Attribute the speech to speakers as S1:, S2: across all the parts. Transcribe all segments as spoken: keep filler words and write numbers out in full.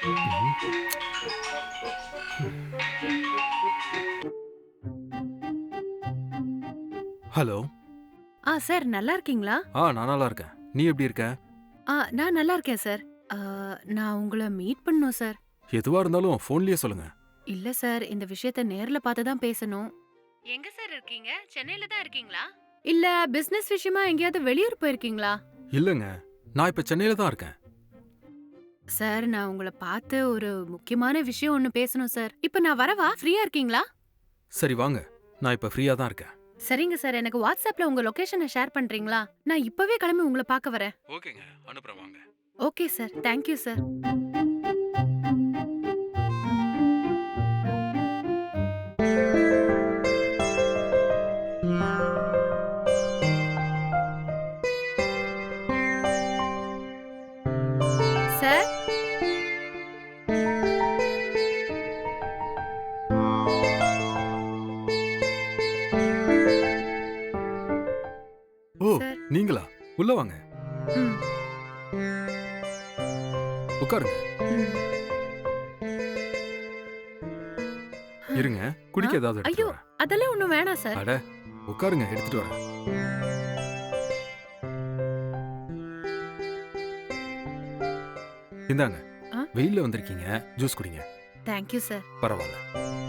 S1: Hello.
S2: ஆ sir நல்லா இருக்கீங்களா?
S1: ஆ நான் நல்லா இருக்கேன். நீ எப்படி இருக்க?
S2: ஆ நான் நல்லா இருக்கேன் சார். ஆ, நான் உங்கள மீட் பண்ணணும் சார்.
S1: எதுவா இருந்தாலும் ஃபோன்லயே சொல்லுங்க.
S2: இல்ல சார், இந்த விஷயத்த நேர்ல பார்த்து தான் பேசணும். எங்க சார் இருக்கீங்க? சென்னையில தான் இருக்கீங்களா? இல்ல பிசினஸ் விஷயமா எங்கேயாவது வெளியூர் போயிருக்கீங்களா?
S1: இல்லங்க, நான் இப்ப சென்னையில தான் இருக்கேன்.
S2: சார் நான் உங்கள பார்த்து ஒரு முக்கியமான விஷயம் ஒண்ணு பேசணும் சார். இப்ப நான் வரவா? ஃப்ரீயா இருக்கீங்களா?
S1: சரி வாங்க, நான் இப்ப ஃப்ரீயா தான் இருக்கேன்.
S2: சரிங்க சார், எனக்கு வாட்ஸ்அப்ல உங்க லொகேஷனை ஷேர் பண்றீங்களா? நான் இப்பவே கிளம்பி உங்கள பார்க்க வரேன்.
S1: ஓகேங்க, அனுப்புறேன் வாங்க.
S2: Okay sir, thank you sir. Sir
S1: ஓ,
S2: சார்.
S1: நீங்களா? உள்ள வாங்க,
S2: ம்,
S1: உட்காருங்க.
S2: ம்.
S1: இருங்க, குடிக்க ஏதாவது எடுத்துட்டு
S2: ஐயோ,
S1: வரேன்.
S2: அதெல்லாம் ஒண்ணும் வேணாம் சார்.
S1: அட, உட்காருங்க, எடுத்துட்டு வரேன். இந்தாங்க,
S2: ஆ?
S1: வெயில்ல வந்திருக்கீங்க, ஜூஸ் குடிங்க.
S2: Thank you sir.
S1: பரவாயில்ல.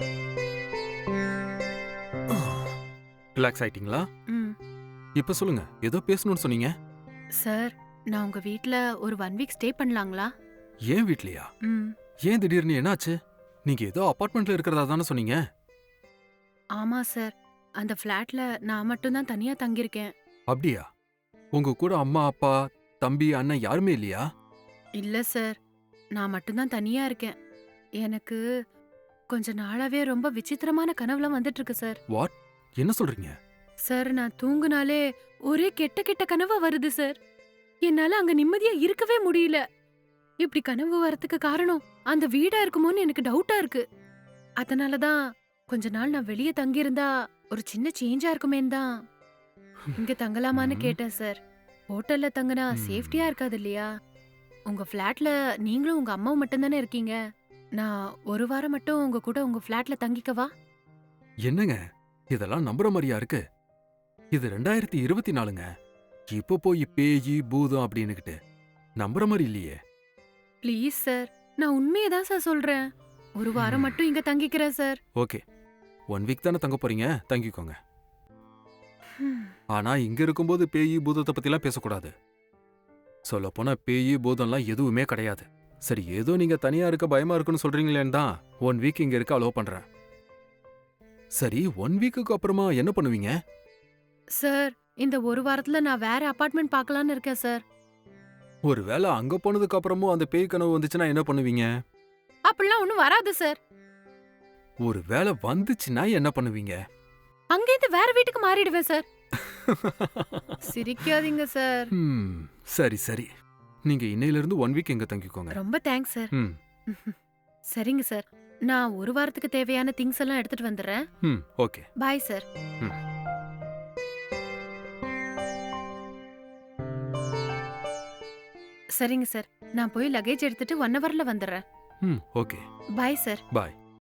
S1: ரிலாக்ஸ் ஆயிட்டீங்களா?
S2: ம்.
S1: இப்ப சொல்லுங்க, ஏதோ பேசணும்னு சொன்னீங்க.
S2: சார், நான் உங்க வீட்ல ஒரு ஒன் வீக் ஸ்டே பண்ணலாங்களா?
S1: ஏன் வீட்லயா?
S2: ம்.
S1: ஏன் திடீர்னு என்னாச்சு? நீங்க ஏதோ அபார்ட்மெண்ட்ல இருக்கிறதா தானே சொன்னீங்க.
S2: ஆமா சார். அந்த ஃப்ளாட்ல நான் மட்டும் தான் தனியா தங்கியிருக்கேன்.
S1: அப்படியா? உங்க கூட அம்மா, அப்பா, தம்பி, அண்ணன் யாருமே இல்லையா?
S2: இல்ல சார். நான் மட்டும் தான் தனியா இருக்கேன். எனக்கு கொஞ்ச நாளாவே ரொம்ப விசித்திரமான கனவுலாம் வந்துட்டு இருக்கு சார்.
S1: வாட்? என்ன சொல்றீங்க?
S2: சார், நான் தூங்குனாலே ஒரே கெட்ட கெட்ட கனவா வருது சார். என்னால அங்க நிம்மதியா இருக்கவே முடியல. இப்படி கனவு வரதுக்கு காரணம் அந்த வீடா இருக்குமோன்னு எனக்கு டவுட்டா இருக்கு. அதனால தான் கொஞ்ச நாள் நான் வெளிய தங்கியிருந்தா ஒரு சின்ன சேஞ்சா இருக்குமேன்னு தான் இங்க தங்கலாமான்னு
S1: ம்.
S2: கேட்டேன் சார். ஹோட்டல்ல தங்கினா
S1: ம்.
S2: சேஃப்டியா இருக்காது இல்லையா? உங்க ஃப்ளாட்ல நீங்களும் உங்க அம்மாவும் மட்டும் தானே இருக்கீங்க. நான் ஒரு வாரம் மட்டும் உங்க கூட உங்க ஃப்ளாட்ல தங்கிக்கவா?
S1: என்னங்க, இதெல்லாம் நம்புற மாதிரியா இருக்கு? இது ரெண்டாயிரத்தி இருபத்தி நாலுங்க. இப்ப போய் பேயி பூதம் அப்படின்னுகிட்டு நம்புற மாதிரி இல்லையே.
S2: ப்ளீஸ் சார், நான் உண்மையை தான் சார் சொல்றேன். ஒரு வாரம்
S1: ம்.
S2: மட்டும் இங்க தங்கிக்கிறேன் சார்.
S1: ஓகே, ஒன் வீக் தானே தங்க போறீங்க, தங்கிக்கோங்க. ஆனா இங்க இருக்கும்போது பேயி பூதத்தை பத்திலாம் பேசக்கூடாது. சொல்லப் போனா பேயி பூதம்லாம் எதுவுமே கிடையாது. சரி, ஏதோ நீங்க தனியா இருக்க பயமா இருக்குன்னு சொல்றீங்களேன்னு தான் ஒன் வீக் இங்க இருக்க அலோவ் பண்றேன். சரி, ஒன் வீக்குக்கு அப்புறமா என்ன பண்ணுவீங்க?
S2: சார், இந்த ஒரு வாரத்துல நான் வேற அபார்ட்மெண்ட் பார்க்கலான்னு இருக்கேன் சார்.
S1: ஒருவேளை அங்க போனதுக்கு அப்புறமும் அந்த பேய் கனவு வந்துச்சுன்னா என்ன பண்ணுவீங்க?
S2: அப்படிலாம் ஒண்ணும் வராது சார்.
S1: ஒருவேளை வந்துச்சுன்னா என்ன பண்ணுவீங்க?
S2: அங்கேருந்து வேற வீட்டுக்கு மாறிடுவேன் சார். சிரிக்காதீங்க சார்.
S1: ம், சரி சரி, நீங்க இன்னையில இருந்து ஒன் வீக் இங்க தங்கிக்கோங்க.
S2: ரொம்ப தேங்க்ஸ் சார்.
S1: ம்.
S2: சரிங்க சார். நான் ஒரு வாரத்துக்கு தேவையான திங்ஸ் எல்லாம் எடுத்துட்டு வந்துடுறேன்.
S1: ம், ஓகே.
S2: Bye sir.
S1: ம்.
S2: சரிங்க சார். நான் போய் லக்கேஜ் எடுத்துட்டு ஒன் ஹவர்ல வந்துடுறேன்.
S1: ம், ஓகே.
S2: Bye sir.
S1: பாய்.